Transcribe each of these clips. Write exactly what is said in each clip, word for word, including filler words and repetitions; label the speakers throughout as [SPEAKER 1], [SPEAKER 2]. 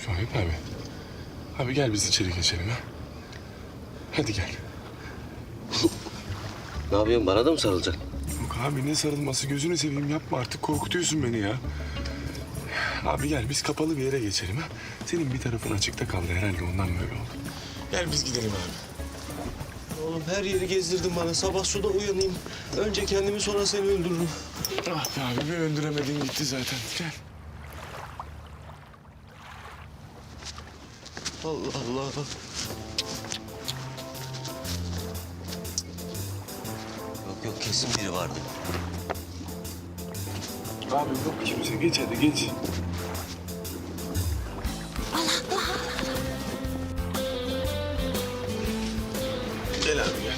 [SPEAKER 1] Şahip abi. Abi gel biz içeri geçelim ha. Hadi gel.
[SPEAKER 2] Ne yapıyorsun? Bana da mı sarılacaksın?
[SPEAKER 1] Yok abi ne sarılması, gözünü seveyim yapma artık, korkutuyorsun beni ya. Abi gel biz kapalı bir yere geçelim ha. Senin bir tarafın açıkta kaldı herhalde, ondan böyle oldu. Gel biz gidelim abi.
[SPEAKER 2] Oğlum her yeri gezdirdin bana. Sabah suda uyanayım. Önce kendimi sonra seni öldürürüm.
[SPEAKER 1] Ah be abi, bir öldüremedin gitti zaten. Gel.
[SPEAKER 2] Allah Allah. Yok yok, kesin biri vardı.
[SPEAKER 1] Abi yok kimse, geç hadi geç. Gel abi gel.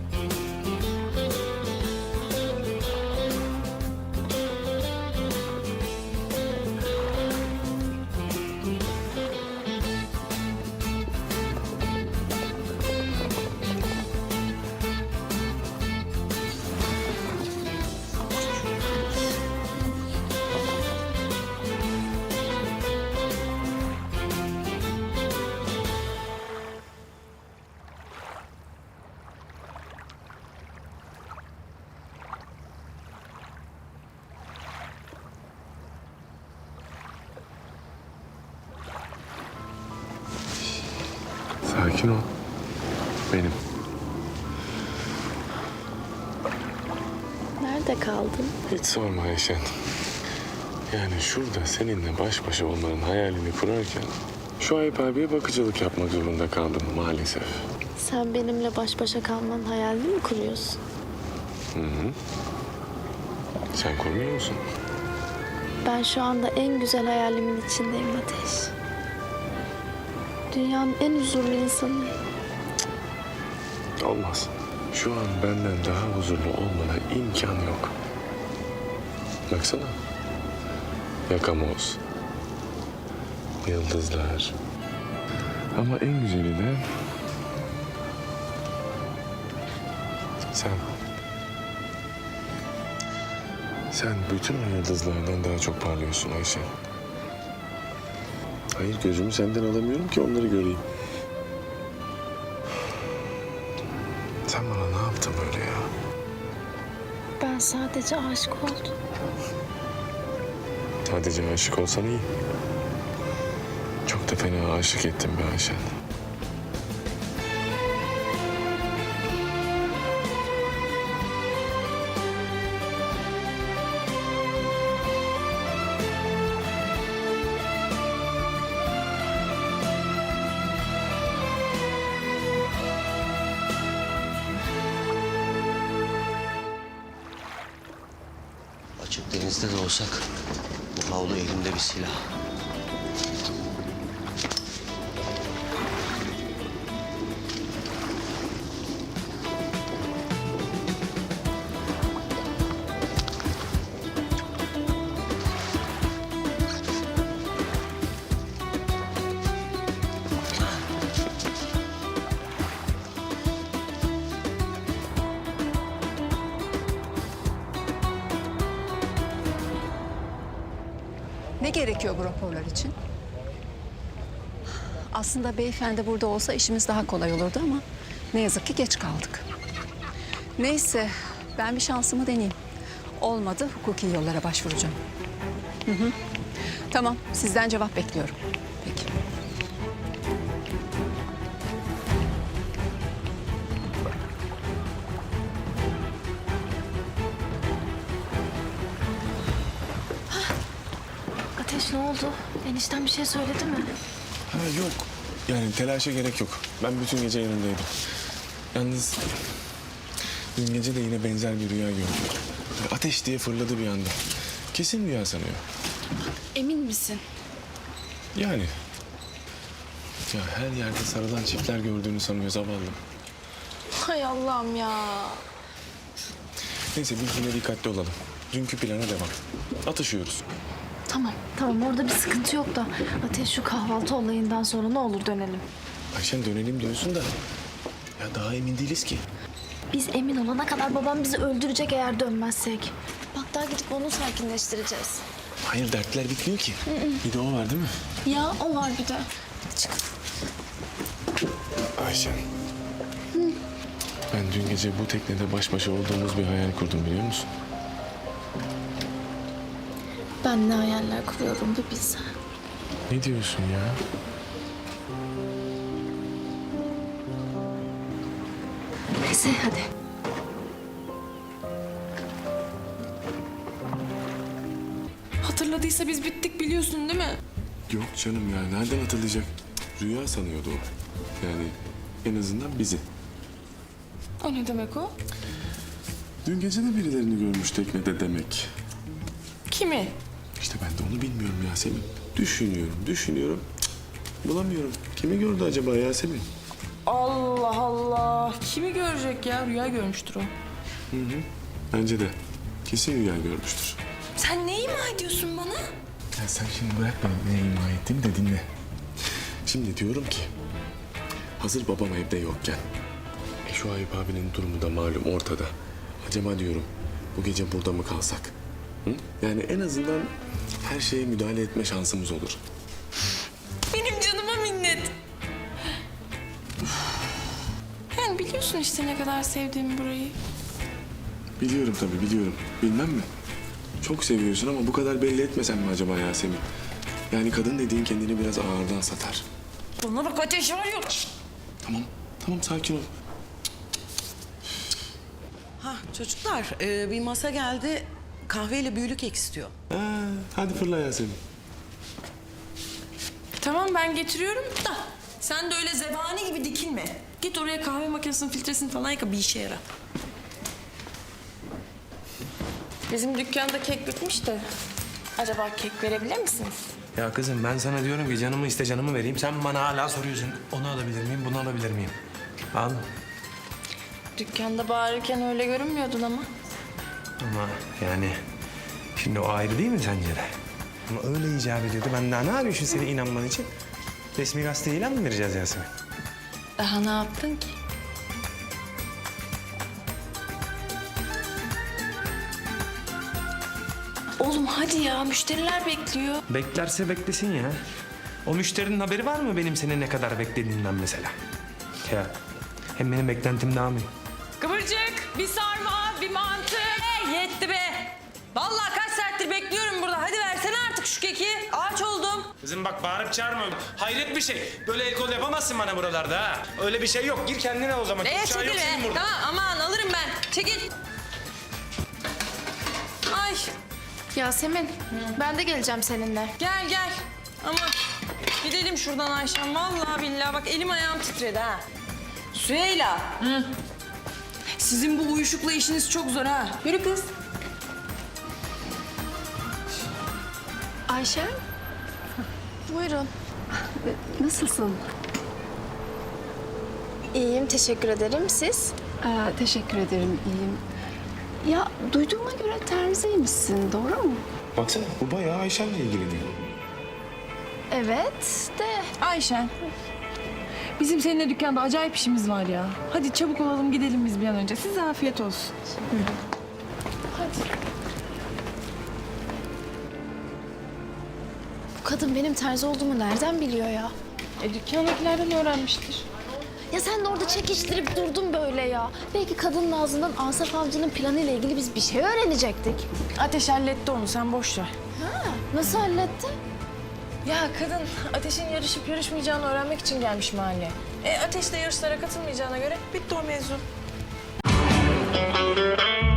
[SPEAKER 1] Sakin ol. Benim.
[SPEAKER 3] Nerede kaldın?
[SPEAKER 1] Hiç sorma Ayşen. Yani şurada seninle baş başa olmanın hayalini kurarken Şuayb abiye bakıcılık yapmak zorunda kaldım maalesef.
[SPEAKER 3] Sen benimle baş başa kalmanın hayalini mi kuruyorsun?
[SPEAKER 1] Hı hı. Sen kurmuyor musun?
[SPEAKER 3] Ben şu anda en güzel hayalimin içindeyim Ateş. Dünyanın en huzurlu insanıyım.
[SPEAKER 1] Olmaz. Şu an benden daha huzurlu olmana imkan yok. Baksana. Yakamoz. Yıldızlar. Ama en güzeli de sen. Sen bütün o yıldızlardan daha çok parlıyorsun Ayşe. Hayır, gözümü senden alamıyorum ki onları göreyim. Sen bana ne yaptın böyle ya?
[SPEAKER 3] Ben sadece aşık oldum.
[SPEAKER 1] Sadece aşık olsan iyi. Çok da fena aşık ettin be Ayşen.
[SPEAKER 2] Açık denizde de olsak bu havlu elimde bir silah.
[SPEAKER 4] Ne gerekiyor bu raporlar için? Aslında beyefendi burada olsa işimiz daha kolay olurdu ama ne yazık ki geç kaldık. Neyse, ben bir şansımı deneyeyim. Olmadı, hukuki yollara başvuracağım. Hı hı. Tamam, sizden cevap bekliyorum. Peki.
[SPEAKER 3] Ateş ne oldu? Enişten bir şey söyledi mi?
[SPEAKER 1] Ha yok. Yani telaşa gerek yok. Ben bütün gece yanındaydım. Yalnız dün gece de yine benzer bir rüya gördüm. Ateş diye fırladı bir anda. Kesin rüya sanıyor.
[SPEAKER 3] Emin misin?
[SPEAKER 1] Yani. Ya her yerde sarılan çiftler gördüğünü sanıyor zavallım.
[SPEAKER 3] Hay Allah'ım ya.
[SPEAKER 1] Neyse biz yine dikkatli olalım. Dünkü plana devam. Atışıyoruz.
[SPEAKER 3] Tamam, tamam orada bir sıkıntı yok da Ateş şu kahvaltı olayından sonra ne olur dönelim.
[SPEAKER 1] Ayşen dönelim diyorsun da ya daha emin değiliz ki.
[SPEAKER 3] Biz emin olana kadar babam bizi öldürecek eğer dönmezsek. Bak daha gidip onu sakinleştireceğiz.
[SPEAKER 1] Hayır, dertler bitmiyor ki. Bir de o var değil mi?
[SPEAKER 3] Ya o var bir de.
[SPEAKER 1] Ayşen. Ben dün gece bu teknede baş başa olduğumuz bir hayal kurdum, biliyor musun?
[SPEAKER 3] Ben ne hayaller kuruyorum bir bilsen.
[SPEAKER 1] Ne diyorsun ya?
[SPEAKER 3] Neyse hadi.
[SPEAKER 5] Hatırladıysa biz bittik biliyorsun değil mi?
[SPEAKER 1] Yok canım ya, nereden hatırlayacak? Rüya sanıyordu o. Yani en azından bizi.
[SPEAKER 5] O ne demek o?
[SPEAKER 1] Dün gece de birilerini görmüş teknede demek.
[SPEAKER 5] Kimi?
[SPEAKER 1] İşte ben de onu bilmiyorum Yasemin. Düşünüyorum, düşünüyorum. Cık, bulamıyorum. Kimi gördü acaba Yasemin?
[SPEAKER 5] Allah Allah. Kimi görecek ya? Rüya görmüştür o.
[SPEAKER 1] Bence de. Kesin rüya görmüştür.
[SPEAKER 5] Sen ne ima ediyorsun bana?
[SPEAKER 1] Ya sen şimdi bırak beni ne ima ettiğimi de dinle. Şimdi diyorum ki... Hazır babam evde yokken... E şu Ayıp abinin durumu da malum ortada. Acaba diyorum bu gece burada mı kalsak? Hı? Yani en azından her şeye müdahale etme şansımız olur.
[SPEAKER 5] Benim canıma minnet. Yani biliyorsun işte ne kadar sevdiğimi burayı.
[SPEAKER 1] Biliyorum tabii, biliyorum. Bilmem mi? Çok seviyorsun ama bu kadar belli etmesen mi acaba Yasemin? Yani kadın dediğin kendini biraz ağırdan satar.
[SPEAKER 5] Bana bak ateş var ya.
[SPEAKER 1] Tamam, tamam sakin ol.
[SPEAKER 6] Ha çocuklar e, bir masa geldi. Kahveyle büyülü kek istiyor.
[SPEAKER 1] Ha, hadi fırla Yasemin.
[SPEAKER 5] Tamam ben getiriyorum da sen de öyle zebani gibi dikilme. Git oraya kahve makinesinin filtresini falan yıka bir işe yara. Bizim dükkanda kek bitmiş de acaba kek verebilir misiniz?
[SPEAKER 7] Ya kızım ben sana diyorum ki canımı iste canımı vereyim. Sen bana hala soruyorsun. Onu alabilir miyim, bunu alabilir miyim? Al.
[SPEAKER 5] Dükkanda bağırırken öyle görünmüyordun ama.
[SPEAKER 7] Ama yani şimdi o ayrı değil mi sence de? Ama öyle icap ediyordu. Ben daha ne yapayım şimdi senin inanman için? Resmi gazete ilan mı vereceğiz Yasemin?
[SPEAKER 5] Daha ne yaptın ki? Oğlum hadi ya müşteriler bekliyor.
[SPEAKER 7] Beklerse beklesin ya. O müşterinin haberi var mı benim seni ne kadar beklediğinden mesela? Ya hem benim beklentim daha mı?
[SPEAKER 5] Kıvırcık, bir sarma, bir mantı. Hey, yetti be. Vallahi kaç saattir bekliyorum burada. Hadi versene artık şu keki. Ağaç oldum.
[SPEAKER 7] Kızım bak bağırıp çağırma. Hayret bir şey. Böyle el kol yapamazsın bana buralarda ha. Öyle bir şey yok. Gir kendine o zaman.
[SPEAKER 5] Ee,
[SPEAKER 7] Uçağı yok
[SPEAKER 5] çekil
[SPEAKER 7] senin
[SPEAKER 5] be.
[SPEAKER 7] burada.
[SPEAKER 5] Tamam aman alırım ben. Çekil. Ay
[SPEAKER 3] Yasemin ben de geleceğim seninle.
[SPEAKER 5] gel gel. Aman gidelim şuradan Ayşem. Vallahi billahi bak elim ayağım titredi ha. Süheyla. Hı. Sizin bu uyuşukla işiniz çok zor ha. Yürü kız.
[SPEAKER 3] Ayşe. Buyurun.
[SPEAKER 4] Nasılsın?
[SPEAKER 3] İyiyim teşekkür ederim. Siz?
[SPEAKER 4] Aa, teşekkür ederim, iyiyim. Ya duyduğuma göre terziymişsin, doğru mu?
[SPEAKER 1] Baksana bu bayağı Ayşen'le ilgileniyor.
[SPEAKER 3] Evet de.
[SPEAKER 5] Ayşen. Bizim seninle dükkanda acayip işimiz var ya. Hadi çabuk olalım gidelim biz bir an önce. Size afiyet olsun.
[SPEAKER 3] Bu kadın benim terzi olduğumu nereden biliyor ya?
[SPEAKER 5] E dükkandakilerden öğrenmiştir.
[SPEAKER 3] Ya sen de orada çekiştirip durdun böyle ya. Belki kadının ağzından Asaf Avcı'nın planıyla ilgili biz bir şey öğrenecektik.
[SPEAKER 5] Ateş halletti onu sen boş ver.
[SPEAKER 3] Ha, nasıl halletti?
[SPEAKER 5] Ya kadın Ateş'in yarışıp yarışmayacağını öğrenmek için gelmiş mahalleye. E Ateş de yarışlara katılmayacağına göre bitti o mevzu.